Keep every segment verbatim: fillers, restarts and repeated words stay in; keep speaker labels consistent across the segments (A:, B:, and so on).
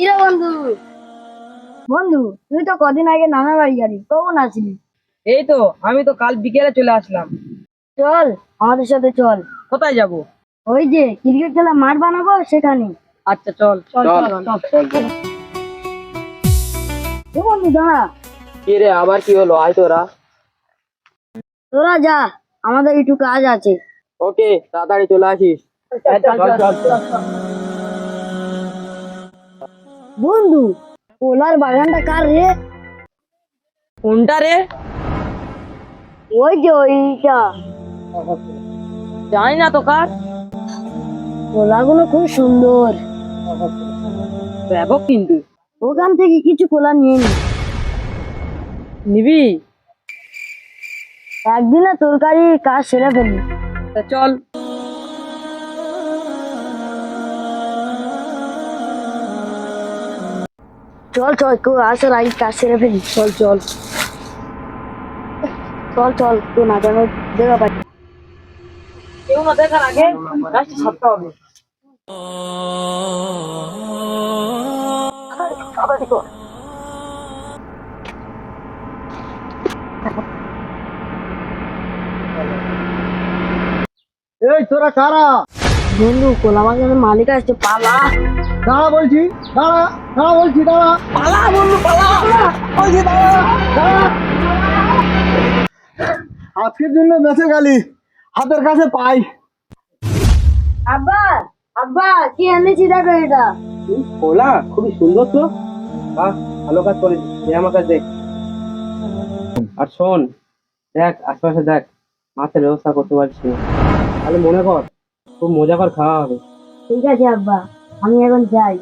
A: কিরে বন্ধু, বন্ধু তুই তো কদিন আগে নানা বাড়ি গেলি, কখন আসলি?
B: এই তো আমি তো কাল বিকেলে চলে আসলাম।
A: চল আমাদের সাথে চল।
B: কোথায় যাব?
A: ওই যে ক্রিকেট খেলা মাঠ বানাবো সেখানে।
B: আচ্ছা চল চল
C: চল
B: চল
C: চল চল।
A: ও বন্ধু দাঁড়া,
C: কি রে, আবার কি হলো? আয় তোরা।
A: তোরা যা, আমাদের একটু কাজ আছে।
C: ওকে, তাড়াতাড়ি চলে আসিস।
B: চল চল চল।
A: বন্ধু, ওলার বাগানটা কার রে?
B: কোনটা রে?
A: ওই যে ওইটা।
B: জানি না তো কার।
A: কলাগুলো খুব সুন্দর,
B: ব্যাপক কিন্তু।
A: ওখান থেকে কিছু কলা নিয়ে নি।
B: নিবি?
A: একদিনে তরকারি কাজ সেরে ফেলি।
B: তা চল।
A: চল চল, কেউ আসার আগে কাজ সেরে ফেলি।
B: চল চল
A: চল চল, কেউ না জানো দেখা পাই।
B: কেউ না দেখার আগে কাজটা সারতে হবে।
A: তাড়াতাড়ি কর।
D: এই তোরা কারা?
A: বন্ধু, কলা বাগানের মালিক আসছে, পালা।
D: দাঁড়া বলছি, দাঁড়া দাঁড়া বলছি, দাঁড়া
B: পালা বন্ধু পালা।
D: বলছি, দাঁড়া দাঁড়া। আজকের জন্য বেঁচে গেলি, হাতের কাছে পাই।
A: আব্বা, আব্বা কি এনেছি দেখো এটা।
C: ওলা খুবই সুন্দর তো। বাহ, ভালো কাজ করেছিস। দে আমার কাছে দেখ। আর শোন, দেখ আশেপাশে দেখ, মাছের ব্যবস্থা করতে পারছিস না। তাহলে মনে কর খুব মজা কর খাওয়া হবে।
A: ঠিক আছে আব্বা, আমি এখন যাই।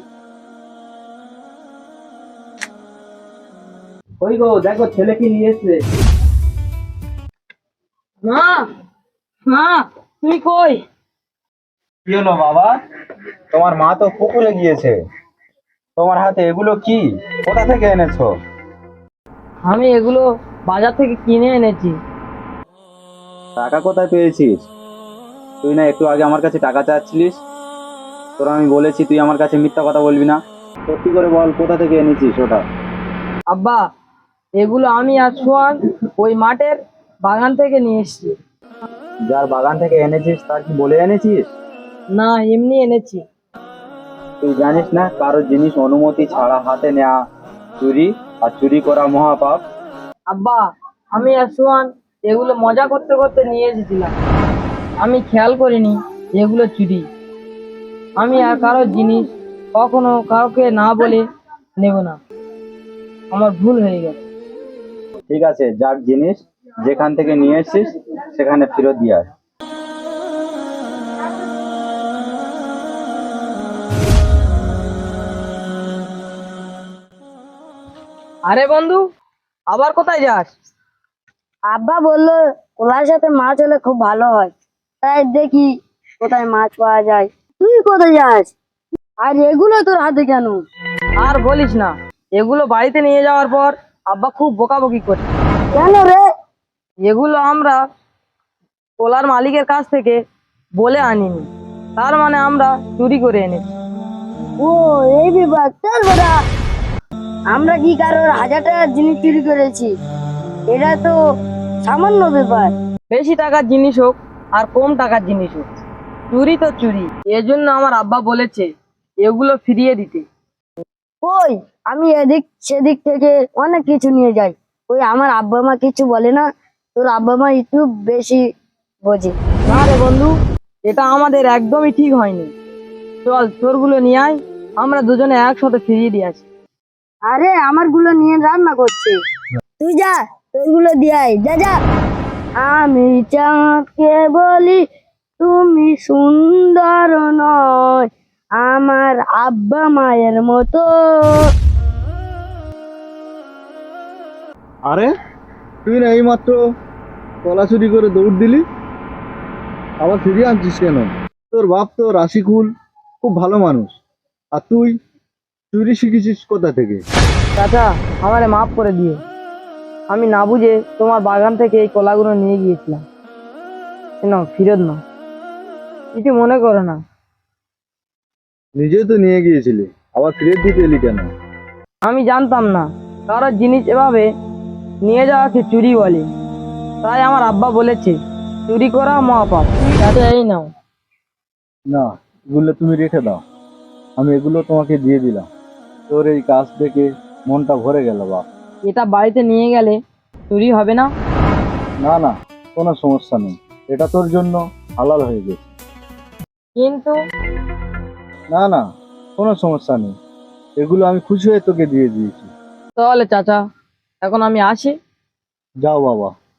C: ওই গো দেখো, ছেলে কি নিয়ে এসছে।
B: মা, মা তুই কই?
E: কি হলো বাবা? তোমার মা তো পুকুরে গিয়েছে। তোমার হাতে এগুলো কি? কোথা থেকে এনেছো?
B: আমি এগুলো বাজার থেকে কিনে এনেছি।
E: টাকা কোথায় পেয়েছিস? তুই না একটু আগে আমার কাছে টাকা চাচ্ছিলিস? তোর আমি বলেছি তুই আমার কাছে মিথ্যা কথা বলবি না। সত্যি করে বল, কোথা থেকে এনেছিস ওটা?
B: আব্বা, এগুলো আমি আর সোহান ওই মাঠের বাগান থেকে নিয়ে এসেছি।
E: যার বাগান থেকে এনেছিস তার কি বলে এনেছিস?
B: না, এমনি এনেছি।
E: তুই জানিস না কারোর জিনিস অনুমতি ছাড়া হাতে নেওয়া চুরি, আর চুরি করা মহাপাপ।
B: আব্বা, আমি আর সোহান এগুলো মজা করতে করতে নিয়ে এসেছিলাম। আমি খেয়াল করিনি এগুলো চুরি। আমি আর কারোর জিনিস কখনো কাউকে না বলে নেব না। আমার ভুল হয়ে গেছে।
E: ঠিক আছে, যার জিনিস যেখান থেকে নিয়ে এসেছিস সেখানে ফেরত দিয়ে আয়।
B: আরে বন্ধু, আবার কোথায় যাস?
A: আব্বা বললো কলার সাথে মাছ হলে খুব ভালো হয়, তাই দেখি কোথায় মাছ পাওয়া যায়। তুই কোথায় যাস? আর এগুলো তোর হাতে কেন?
B: আর বলিস না, এগুলো বাড়িতে নিয়ে যাওয়ার পর আব্বা খুব বকাবকি করে।
A: কেন রে?
B: এগুলো আমরা কোলার মালিকের কাছ থেকে বলে আনিনি, তার মানে আমরা চুরি করে এনেছি।
A: ও, এই বিভাগ চল বেটা। আমরা কি কারোর হাজার টাকার জিনিস চুরি করেছি? এটা তো সামান্য ব্যাপার।
B: বেশি টাকার জিনিস হোক আর কম টাকার জিনিস হোক, চুরি তো চুরি। এজন্য আমার আব্বা বলেছে এগুলো ফিরিয়ে দিতে।
A: ওই, আমি এদিক সেদিক থেকে অনেক কিছু নিয়ে যাই, ওই আমার আব্বা মা কিছু বলে না? তোর আব্বা মা একটু বেশি বোঝে।
B: না রে বন্ধু, এটা আমাদের একদমই ঠিক হয়নি। চল তোরগুলো নিয়ে আয়, আমরা দুজনে একসাথে ফিরিয়ে দিয়ে আসি।
A: আরে আমার গুলো নিয়ে রান্না করছে, তুই যা তোরগুলো দিয়ে আয়, যা যা। আমি চাঁদকে বলি তুমি সুন্দর নয়, আমার আব্বা মায়ের মতো।
D: আরে তুই না এইমাত্র কলা চুরি করে দৌড় দিলি, আবার ফিরিয়ে আনছিস কেন? তোর বাপ তো রাশিকুল, খুব ভালো মানুষ, আর তুই চুরি শিখেছিস কোথা থেকে?
B: চাচা, আমারে মাফ করে দিয়ে। আমি না বুঝে তোমার বাগান থেকে এই কলাগুলো নিয়ে গিয়েছিলাম। না, ফিরত না, কিছু মনে করো না।
D: নিজে তো নিয়ে গিয়েছিলি, আবার ফেরত দিতে এলি কেন?
B: আমি জানতাম না কারোর জিনিস এভাবে নিয়ে যাওয়াকে চুরি বলে, তাই আমার আব্বা বলেছে চুরি করা মহাপাপ। তাতে এই নাও।
D: না, এগুলো তুমি রেখে দাও, আমি এগুলো তোমাকে দিয়ে দিলাম। তোর এই কাজ দেখে মনটা ভরে গেল বাপ।
B: এটা বাড়িতে নিয়ে গেলে চুরি হবে না?
D: না না, কোনো সমস্যা নেই, এটা তোর জন্য হালাল হয়ে গেছে।
B: কিন্তু
D: না না, কোনো সমস্যা নেই, এগুলো আমি খুশি হয়ে তোকে দিয়ে দিয়েছি।
B: তাহলে চাচা এখন আমি আসি।
D: যাও বাবা।